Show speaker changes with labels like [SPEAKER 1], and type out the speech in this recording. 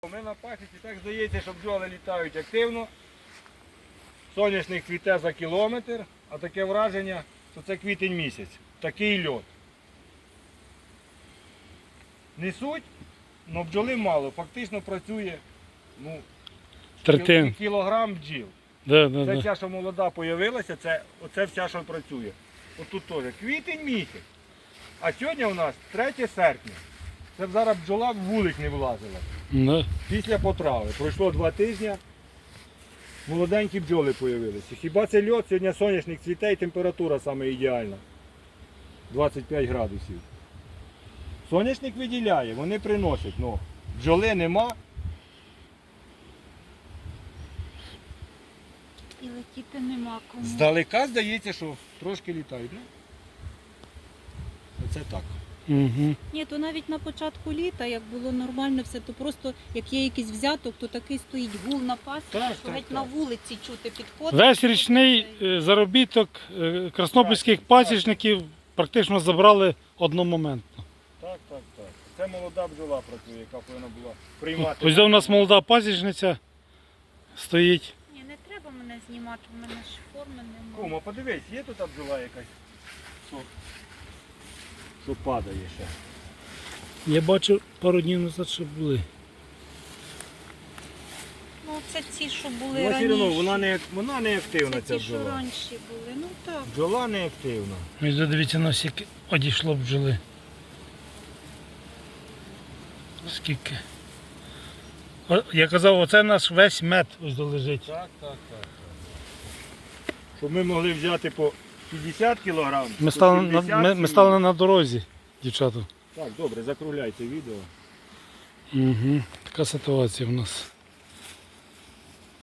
[SPEAKER 1] Ми на пасіці, так здається, що бджоли літають активно. Соняшник цвіте за кілометр, а таке враження, що це квітень місяць. Такий льот. Несуть, але бджоли мало. Фактично працює кілограм бджіл. Це ця, що молода з'явилася, оце вся, що працює. Отут теж квітень місяць. А сьогодні у нас 3 серпня. Це зараз бджола в вулик не влазила. Після потрави. Пройшло 2 тижні, молоденькі бджоли з'явилися. Хіба це льот, сьогодні соняшник цвіте і температура саме ідеальна. 25 градусів. Соняшник виділяє, вони приносять, але бджоли нема.
[SPEAKER 2] І летіти нема кому.
[SPEAKER 1] Здалека здається, що трошки літають. Оце так.
[SPEAKER 2] Угу. Ні, то навіть на початку літа, як було нормально все, то просто, як є якийсь взяток, то такий стоїть гул на пасіці, що геть на вулиці чути підходить.
[SPEAKER 3] Весь річний заробіток краснопільських пасічників практично забрали одномоментно.
[SPEAKER 1] Так. Це молода бджола працює, яка повинна була приймати.
[SPEAKER 3] Ось у нас молода пасічниця стоїть.
[SPEAKER 2] Ні, не треба мене знімати, в мене ж форми немає.
[SPEAKER 1] Кума, подивись, є тут бджола якась, що падає ще.
[SPEAKER 3] Я бачу, пару днів назад ще були.
[SPEAKER 2] Ну це ці, що були
[SPEAKER 1] Ну,
[SPEAKER 2] раніше.
[SPEAKER 1] вона не активна,
[SPEAKER 2] це
[SPEAKER 1] ця
[SPEAKER 2] ті, що
[SPEAKER 1] бджола.
[SPEAKER 2] раніше були, ну так.
[SPEAKER 1] Бджола не активна.
[SPEAKER 3] Ось дивіться, на скільки одійшло бджоли. Скільки. Я казав, оце наш весь мед ось лежить.
[SPEAKER 1] Так. Щоб ми могли взяти по 50 кг.
[SPEAKER 3] Ми стали на дорозі, дівчата.
[SPEAKER 1] Так, добре, закругляйте відео.
[SPEAKER 3] Угу. Така ситуація в нас.